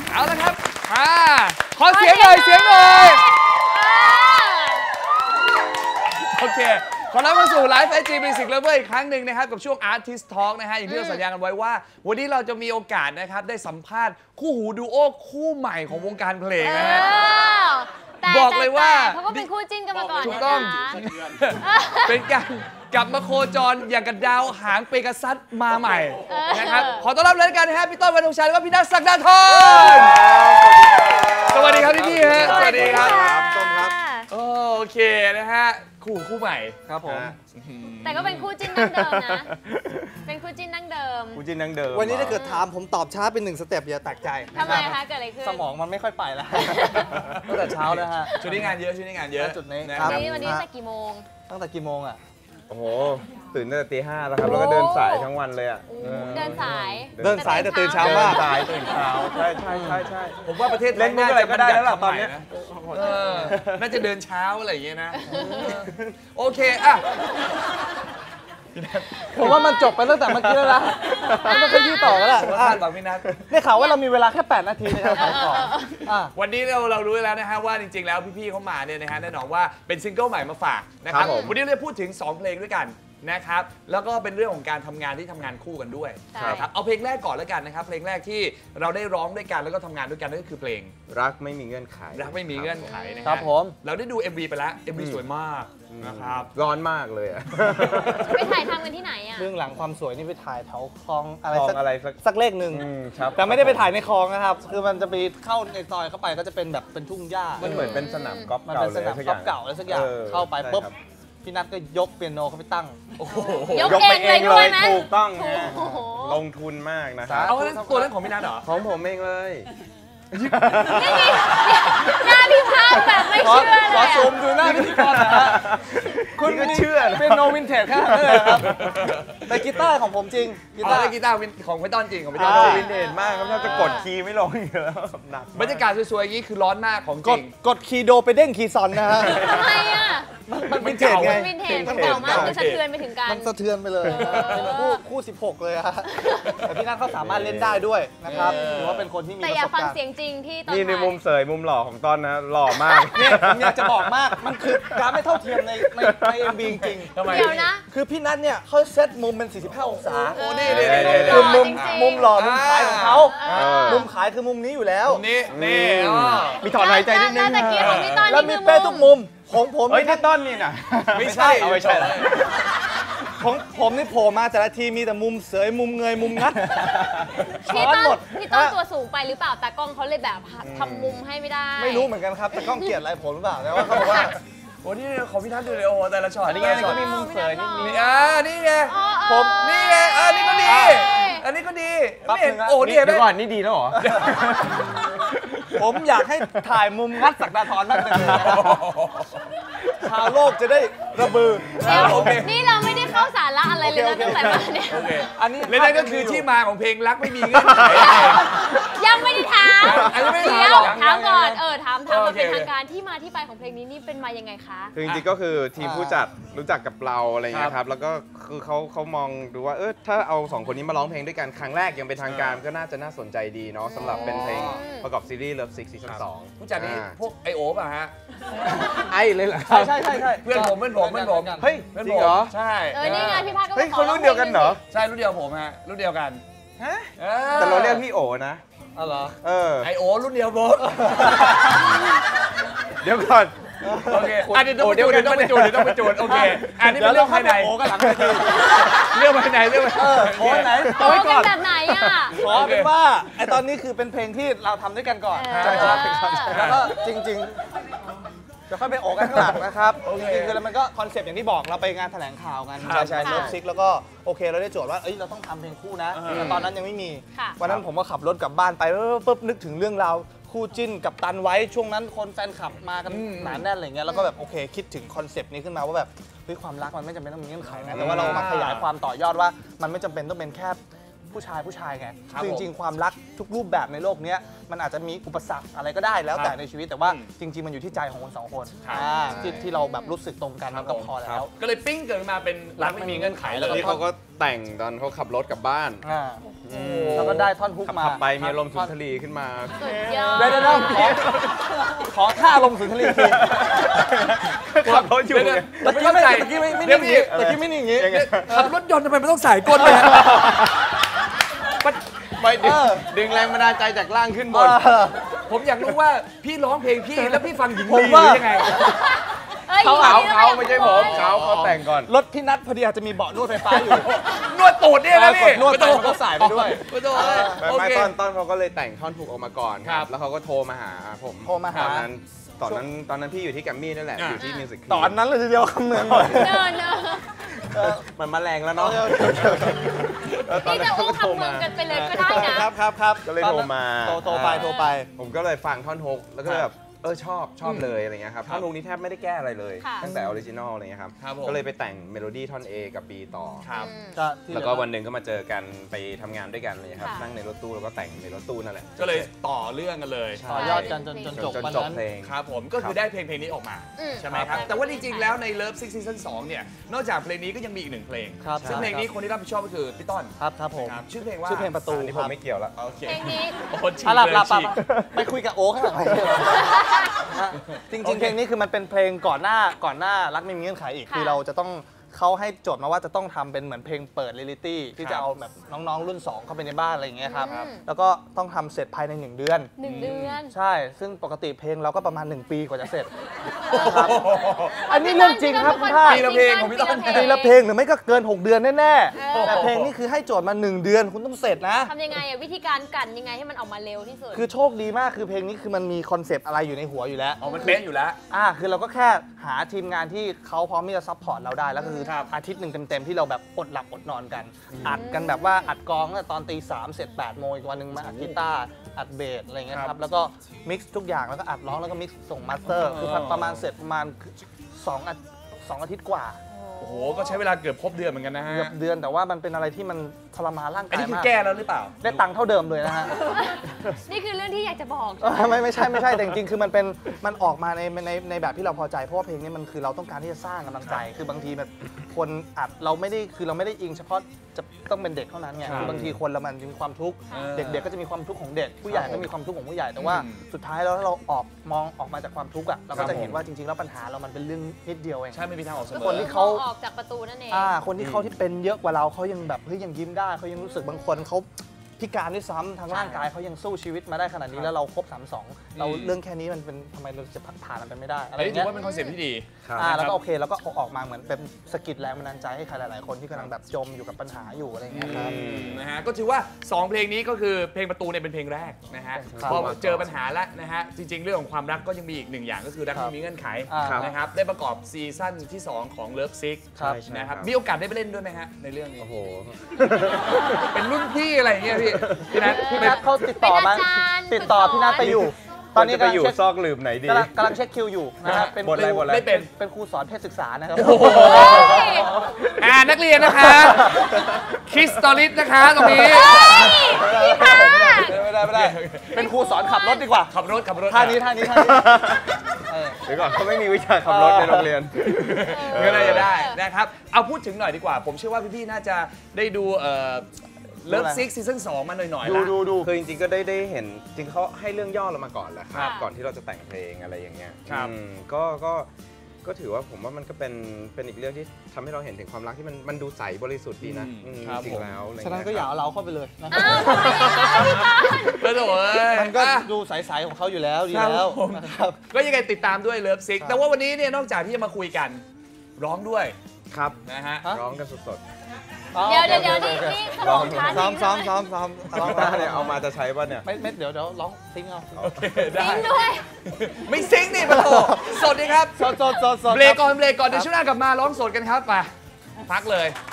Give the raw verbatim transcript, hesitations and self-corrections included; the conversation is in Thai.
เอาละครับมาขอเสียงหน่อยเสียงหน่อยโอเคขอรับเข้าสู่ไลฟ์ ไอ จี Music Lover อีกครั้งหนึ่งนะครับกับช่วง Artist Talk นะฮะอย่างที่เราสัญญากันไว้ว่าวันนี้เราจะมีโอกาสนะครับได้สัมภาษณ์คู่หูดูโอคู่ใหม่ของวงการเพลงนะฮะบอกเลยว่าเขาก็เป็นคู่จิ้นกันมาก่อนถูกต้องเป็นการกลับมาโคจรอย่างกับดาวหางเปกัสซัสมาใหม่นะครับขอต้อนรับเลยกันนะฮะพี่ต้น วรรณธงชัยและพี่นัท ศักดาธรสวัสดีครับพี่พี่ฮะสวัสดีครับต้นครับโอเคนะฮะคู่คู่ใหม่ครับผมแต่ก็เป็นคู่จิ้นดั้งเดิมนะเป็นคู่จิ้นดั้งเดิมคู่จิ้นดั้งเดิมวันนี้ถ้าเกิดถามผมตอบช้าเป็นหนึ่งสเต็ปอย่าแตกใจทำไมคะเกิดอะไรขึ้นสมองมันไม่ค่อยไปแล้วตั้งแต่เช้าแล้วฮะชุดนี้งานเยอะชุดนี้งานเยอะจุดนี้ครับวันนี้ตั้งแต่กี่โมงตั้งแต่กี่โมงอ่ะโอ้โหตื่นตั้งแต่ตีห้าแล้วครับแล้วก็เดินสายทั้งวันเลยอ่ะเดินสายเดินสายแต่ตื่นเช้ามากสายตื่นเช้าใช่ใช่ใช่ใช่ผมว่าประเทศเล่นมุกอะไรก็ได้แล้วล่ะตอนนี้น่าจะเดินเช้าอะไรอย่างเงี้ยนะโอเคอ่ะผมว่ามันจบไปตั้งแต่เมื่อกี้แล้วนะไม่ต้องขยี้ต่อแล้วล่ะคาดหวังพี่นัทได้ข่าวว่าเรามีเวลาแค่แปดนาทีในการขายของวันนี้เราเรารู้แล้วนะฮะว่าจริงๆแล้วพี่ๆเขามาเนี่ยนะฮะแน่นอนว่าเป็นซิงเกิลใหม่มาฝากนะครับวันนี้เราจะพูดถึงสองเพลงด้วยกันนะครับแล้วก็เป็นเรื่องของการทำงานที่ทำงานคู่กันด้วยครับเอาเพลงแรกก่อนแล้วกันนะครับเพลงแรกที่เราได้ร้องด้วยกันแล้วก็ทำงานด้วยกันนั่นก็คือเพลงรักไม่มีเงื่อนไขรักไม่มีเงื่อนไขนะครับผมเราได้ดู เอ็ม วี ไปแล้ว เอ็ม วี สวยมากนะครับร้อนมากเลยอ่ะไปถ่ายทำกันที่ไหนอ่ะเรื่องหลังความสวยนี่ไปถ่ายแถวคลองอะไรอะไรสักเลขหนึ่งแต่ไม่ได้ไปถ่ายในคลองนะครับคือมันจะไปเข้าในซอยเข้าไปก็จะเป็นแบบเป็นทุ่งหญ้ามันเหมือนเป็นสนามกอล์ฟเก่าเลยมันเป็นสนามกอล์ฟเก่าอะไรสักอย่างเข้าไปปุ๊บพี่นัทก็ยกเปียโนเขาไปตั้งยกไปเองเลยถูกต้องลงทุนมากนะครับเอาตัวนั้นของพี่นัทเหรอของผมเองเลยหน้าพี่พาแบบไม่เชื่อเลยขอซูมดูหน้าพิธีกรนะฮะคุณก็เชื่อเป็นโนวินเทจแค่นั้นเลยครับแต่กีตาร์ของผมจริงกีตาร์กีตาร์ของพี่ต้นจริงของพี่ต้นวินเทจมากครับถ้าจะกดคีย์ไม่ลงอยู่แล้วหนักบรรยากาศสวยๆอย่างนี้คือร้อนมากของจริงกดคีย์โดไปเด้งคีย์ซอนนะฮะทำไมอ่ะมันวินเทจไงวินเทจมันเก่ามากมันสะเทือนไปถึงกันมันสะเทือนไปเลยเป็นคู่คู่สิบหกเลยฮะแต่พี่นัทเขาสามารถเล่นได้ด้วยนะครับถือว่าเป็นคนที่มีแต่อยากฟังเสียงจริงที่นี่ในมุมเสยมุมหล่อของต้นนะหล่อมากเนี่ยผมอยากจะบอกมากมันคือการไม่เท่าเทียมในในในเอ็มบีจริงทำไมเดี๋ยวนะคือพี่นัทเนี่ยเขาเซตมุมเป็นสี่สิบห้าองศาโอ้นี่คือมุมมุมหล่อมุมขายของเขามุมขายคือมุมนี้อยู่แล้วนี่นี่มีถอนหายใจนิดนึงแล้วมีเป้ทุกมุมของผมเฮ้ยนี่ต้นนี่นะไม่ใช่ไม่ใช่ของผมนี่โผล่มาแต่ละทีมีแต่มุมเสยมุมเงยมุมงัดพี่ต้นพี่ต้นตัวสูงไปหรือเปล่าตากล้องเขาเลยแบบทำมุมให้ไม่ได้ไม่รู้เหมือนกันครับตากล้องเกลียดอะไรผมหรือเปล่าแต่ว่าเขาบอกว่าโอ้นี่ของพี่ทัศน์ดูเลยโอ้แต่ละช็อตนี่ไงก็มีมุมเสยนี่นี่อ่านี่ไงผมนี่ไงอ่านี่ก็ดีอันนี้ก็ดีไม่เห็นโอ้นี่เดี๋ยวก่อนนี่ดีแล้วเหรอผมอยากให้ถ่ายมุมงัดศักดาธรมากเลยชาวโลกจะได้ระบือนี่เราไม่ได้เข้าสาระอะไรเลยนะตั้งแต่มาเนี่ยอันนี้และนั่นก็คือที่มาของเพลงรักไม่มีเงื่อนไขยังไม่ได้ถามอันนี้ไม่ได้ถามก่อนเออถามถามมาเป็นทางการที่มาที่ไปของเพลงนี้นี่เป็นมายังไงคะคือจริงๆก็คือทีมผู้จัดรู้จักกับเราอะไรเงี้ยครับแล้วก็คือเขาเขามองดูว่าเออถ้าเอาสองคนนี้มาร้องเพลงด้วยกันครั้งแรกยังเป็นทางการก็น่าจะน่าสนใจดีเนาะสำหรับเป็นเพลงประกอบซีรีส์ Love Sick ซีซั่นสองผู้จัดนี่พวกไอโอป่ะฮะไอเลยเหรอใช่ใช่ใช่ใช่เพื่อนผมเพื่อนผมเพื่อนผมเฮ้ยจริงเหรอใช่เออนี่ไงพี่ภาคก็เฮ้ยเขารุ่นเดียวกันเหรอใช่รุ่นเดียวผมฮะรุ่นเดียวกันฮะแต่เราเรียกพี่โอนะอ๋อเหรอเออไอโอรุ่นเดียวผมเดี๋ยวก่อนโอเคอันนี้ต้องไปจูนต้องไปจูนต้องไปจูนโอเคอันนี้เป็นเรื่องภายในโอ้กันหลังเรื่องภายในเรื่องเออโอ้ไหนโอ้กันแบบไหนอ่ะขอเป็นว่าไอตอนนี้คือเป็นเพลงที่เราทำด้วยกันก่อนใช่ครับแล้วก็จริงๆจะค่อยไปโอ้กันข้างหลังนะครับจริงๆคือมันก็คอนเซปต์อย่างที่บอกเราไปงานแถลงข่าวกันใช่ใช่เลิฟซิกแล้วก็โอเคเราได้โจทย์ว่าเอ้ยเราต้องทำเพลงคู่นะแต่ตอนนั้นยังไม่มีวันนั้นผมก็ขับรถกลับบ้านไปปุ๊บนึกถึงเรื่องราวคู่จิ้นกับตันไว้ช่วงนั้นคนแฟนคลับมากันหนาแน่นอะไรเงี้ยแล้วก็แบบโอเคคิดถึงคอนเซปต์นี้ขึ้นมาว่าแบบเฮ้ยความรักมันไม่จำเป็นต้องมีเงื่อนไขนะแต่ว่าเรามาขยายความต่อยอดว่ามันไม่จำเป็นต้องเป็นแค่ผู้ชายผู้ชายไงคือจริงๆความรักทุกรูปแบบในโลกนี้มันอาจจะมีอุปสรรคอะไรก็ได้แล้วแต่ในชีวิตแต่ว่าจริงๆมันอยู่ที่ใจของคนสองคนที่ที่เราแบบรู้สึกตรงกันมันก็พอแล้วก็เลยปิ้งเกิดมาเป็นรักไม่มีเงื่อนไขแล้วที่เขาก็แต่งตอนเขาขับรถกลับบ้านแล้วก็ได้ท่อนฮุกมาขับไปมีอารมณ์สุนทรีขึ้นมาสุดยอดเดี๋ยวเดี๋ยวขอขอท่าลงสุนทรีทีขับรถอยู่เดี๋ยวตะกี้ไม่ตะกี้ไม่ไม่นิ่งอย่างงี้ตะกี้ไม่นิ่งอย่างงี้ขับรถยนต์ทำไมมันต้องสายก้นเลยฮะไม่ดึงดึงแรงบันดาลใจจากล่างขึ้นบนผมอยากรู้ว่าพี่ร้องเพลงพี่แล้วพี่ฟังหญิงผมลีหว่ารือยังไงอ้ยเขาหญิเขางลีเขาไม่ใช่ผมเขาเขาแต่งก่อนรถพี่นัทพอดีอาจจะมีเบาะนวดไฟฟ้าอยู่นวดตูดเนี่ยนะพี่กดนวดไปมันก็สายไปด้วยโอ้โหไม่โอไม่เคต้นต้นเขาก็เลยแต่งท่อนถูกออกมาก่อนคครัรับ บ แล้วเขาก็โทรมาหาผมโทรมาหาตอนนั้นตอนนั้นตอนนั้นพี่อยู่ที่แกรมมี่นั่นแหละอ่าอยู่ที่มิวสิกตอนนั้นเลยทีเดียวคำเมืองเนินเนอะมันมาแรงแล้วเนาะนี่จะอู้คำเมืองกันไปเลยก็ได้นะครับครับครับก็เลยโทรมาโทรโทรไปโทรไปผมก็เลยฟังท่อนฮุกแล้วก็เลยแบบเออชอบชอบเลยอะไรเงี้ยครับท่อนฮุกนี้แทบไม่ได้แก้อะไรเลยค่ะตั้งแต่ออริจินอลอะไรเงี้ยครับครับผมก็เลยไปแต่งเมโลดี้ท่อน A กับ B ต่อครับอืมก็ที่แล้วก็วันหนึ่งก็มาเจอกันไปทำงานด้วยกันเลยครับค่ะนั่งในรถตู้แล้วก็แต่งในรถตู้นั่นแหละก็เลยต่อเรื่องกันเลยใช่ต่อยอดกันจนจนจจนบจนวันจบนั้นเพลงครับผมก็คือได้เพลงเพลงนี้ออกมาอืมใช่ไหมครับ แต่ว่าจริงๆแล้วใน Love Six Season สองเนี่ยนอกจากเพลงนี้ก็ยังมีอีกหนึ่งเพลงครับซึ่งใช่เพลงนี้คนที่รับผิดชอบก็คือพี่ต้นครับครับผมครับชื่อเพลงว่าชื่อเพลงประตูอันนี้คผมรับไม่เกี่ยวแล้วโอเคเพลงนี้โอ้โหฉีกอ่ะหลับเลยหลับหลับฉีกไปคุยกับโอ๊คข้างหลังจริงโอๆเคเพลงนี้คือมันเป็นเพลงก่อนหน้าก่อนหน้ารักไม่มีเงื่อนไขอีกค่ะคือเราจะต้องเขาให้โจทย์มาว่าจะต้องทำเป็นเหมือนเพลงเปิดเรียลิตี้ที่ครัจะบเอาแบบน้องๆรุ่นสองเข้าไปในบ้านอะไรอย่างเงี้ยครับครับแล้วก็ต้องทำเสร็จภายในหนึ่งเดือนหนึ่งเดือนใช่ ซึ่งปกติเพลงเราก็ประมาณหนึ่งปีกว่าจะเสร็จนะครับอันนี้เรื่องจริงครับคุณท่าปีละเพลงของพี่ต้นเพลงละเพลงหรือไม่ก็เกินหกเดือนแน่เออๆแต่เพลงนี้คือให้โจทย์มาหนึ่งเดือนคุณต้องเสร็จนะทำยังไงอะวิธีการกั่นยังไงให้มันออกมาเร็วที่สุดคือโชคดีมากคือเพลงนี้คือมันมีคอนเซปต์อะไรอยู่ในหัวอยู่แล้วอ๋อมันเป๊ะอยู่แล้วอ่าคือเราก็แค่หาทีมงานที่เขาพร้อมที่จะซัพพอร์ตเราได้ แล้วก็คือครับอาทิตย์หนึ่งเต็มๆที่เราแบบอดหลับอดนอนกัน อัดกันแบบว่าอัดกลองตั้งแต่ตอนตีสามเสร็จแปดโมงอีกวันหนึ่งมาอัดกีตาร์อัดเบสอะไรเงี้ยคครัรับ บแล้วก็มิกซ์ทุกอย่างแล้วก็อัดร้องแล้วก็มิกซ์ส่งมาสเตอร์คือประมาณเสร็จประมาณสองอาสองอาทิตย์กว่าโอ้โหก็ใช้เวลาเกือบครบเดือนเหมือนกันนะฮะเกือบเดือนแต่ว่ามันเป็นอะไรที่มันทรมานร่างอันกายนี้คือมากแก้แล้วหรือเปล่าได้ตังค์เท่าเดิมเลยนะฮะนี่คือเรื่องที่อยากจะบอกเออไม่ไม่ใช่ไม่ใช่แต่จริงๆคือมันเป็นมันออกมาในในในแบบที่เราพอใจเพราะว่าเพลงนี้มันคือเราต้องการที่จะสร้างกำลังใจ คือบางทีแบบคนอัดเราไม่ได้คือเราไม่ได้อิงเฉพาะจะต้องเป็นเด็กเท่านั้นไงครับคือบางทีคนเรามันมีความทุกข์เออเด็กๆก็จะมีความทุกข์ของเด็กผู้ใหญ่ก็มีความทุกข์ของผู้ใหญ่แต่ว่าอืมสุดท้ายแล้วถ้าเราออกมองออกมาจากความทุกข์อ่ะเราครัก็บจะเห็นผมว่าจริงๆแล้วปัญหาเรามันเป็นเรื่องนิดเดียวเองใช่ไม่มีทางออกเสมอคนที่เขาออกจากประตูนั่นเองอ่าคนที่เขาที่เป็นเยอะกว่าเราเขายังแบบเฮ้ยยังยิ้มได้เขายังรู้สึกบางคนเขาพิการด้วยซ้ำทางร่างกายเขายังสู้ชีวิตมาได้ขนาดนี้แล้วเราครบสามสองเราอืมเรื่องแค่นี้มันเป็นทำไมเราจะผ่านมันไปไม่ได้อะไรอันอนี้ย่างถืเงี้อย ว่าเป็นคอนเซ็ปต์ที่ดีครับอ่าแล้วคก็รับโอเคแล้วก็เอาออกมาเหมือนเป็นสกิดแรงบันดาลใจให้ใครหลายๆคนที่กำลังแบบจมอยู่กับปัญหาอยู่อะไรอย่างเงี้ยครับนะฮะก็ถือว่าสองเพลงนี้ก็คือเพลงประตูเนี่ยเป็นเพลงแรกนะฮะครับพอเจอปัญหาแล้วนะฮะจริง ๆ เรื่องของความรักก็ยังมีอีกหนึ่งอย่างก็คือรักครับไม่มีเงื่อนไขอ่านะครับได้ประกอบซีซั่นที่สองของ Love Six ครับใช่นะครับครับมีโอกาสได้ไปเล่นด้วยไหมฮะในเรื่องนี้โอ้โหเป็นรุ่นพี่อะไรอย่างเงี้ยพี่พี่นัทพี่นัทเขาติดต่อมาเป็นอาจารย์ติดต่อพี่นัทไปอยู่ ตอนนี้จะไปกำลังอยู่เช็คซอกหลืมไหนดีกำลังกำลังเช็คคิวอยู่นะครับเป็นบทอะไรครูบทอะไรไม่เป็นเป็นครูสอนเพศศึกษานะครับอ่านักเรียนนะคะคริสตอลิสนะคะตรงนี้ไม่ได้ไม่ได้เป็นครูสอนขับรถดีกว่าขับรถขับรถท่านี้ท่านี้ท่านี้เออเดี๋ยวก่อนเขาไม่มีวิชาขับรถในโรงเรียนก็น่าจะได้นะครับเอาพูดถึงหน่อยดีกว่า ผมเชื่อว่าพี่ๆน่าจะได้ดูเอ่อ Love Six ซีซั่นสองมาหน่อยๆดูละดูดูคือจริงๆก็ได้ได้เห็นจริงเขาให้เรื่องย่อเรามาก่อนแหละคครัรับบก่อนที่เราจะแต่งเพลงอะไรอย่างเงี้ยครับอืมก็ก็ก็ถือว่าผมว่ามันก็เป็นเป็นอีกเรื่องที่ทำให้เราเห็นถึงความรักที่มันมันดูใสบริสุทธิ์ดีนะอืมอืมครับจริผมงๆแล้วอะไรฉะนั้นเงี้ก็อย่าครับเอาเราเข้าไปเลยนะอ้าวทำไมอ่ะพี่ต้นแล้วโถ่เอ้ยมันก็อ่ะดูใสๆของเขาอยู่แล้วดีครับแล้วผมนะครับก็ยังไงติดตามด้วย Love Six แต่ว่าวันนี้เนี่ยนอกจากที่จะมาคุยกันร้องด้วยครับนะฮะฮะร้องกันสดเดี๋ยวเดี๋ยวเดี๋ยวนี่นี่สมองช้าซ้อมจริงซ้อมใช่ไหซ้อมซ้อมซ้อมๆถ้าเนี่ยเอามาจะใช้ป่ะเนี่ยไม่ไม่เดี๋ยวเดี๋ยวร้องซิงเอาโอเคได้จริงด้วยไม่ซิงค์นี่ปะโถสดดีครับสดสดสดสดเบรกก่อนเบรกก่อนเดี๋ยวช่วงหน้ากลับมาร้องสดกันครับไปพักเลย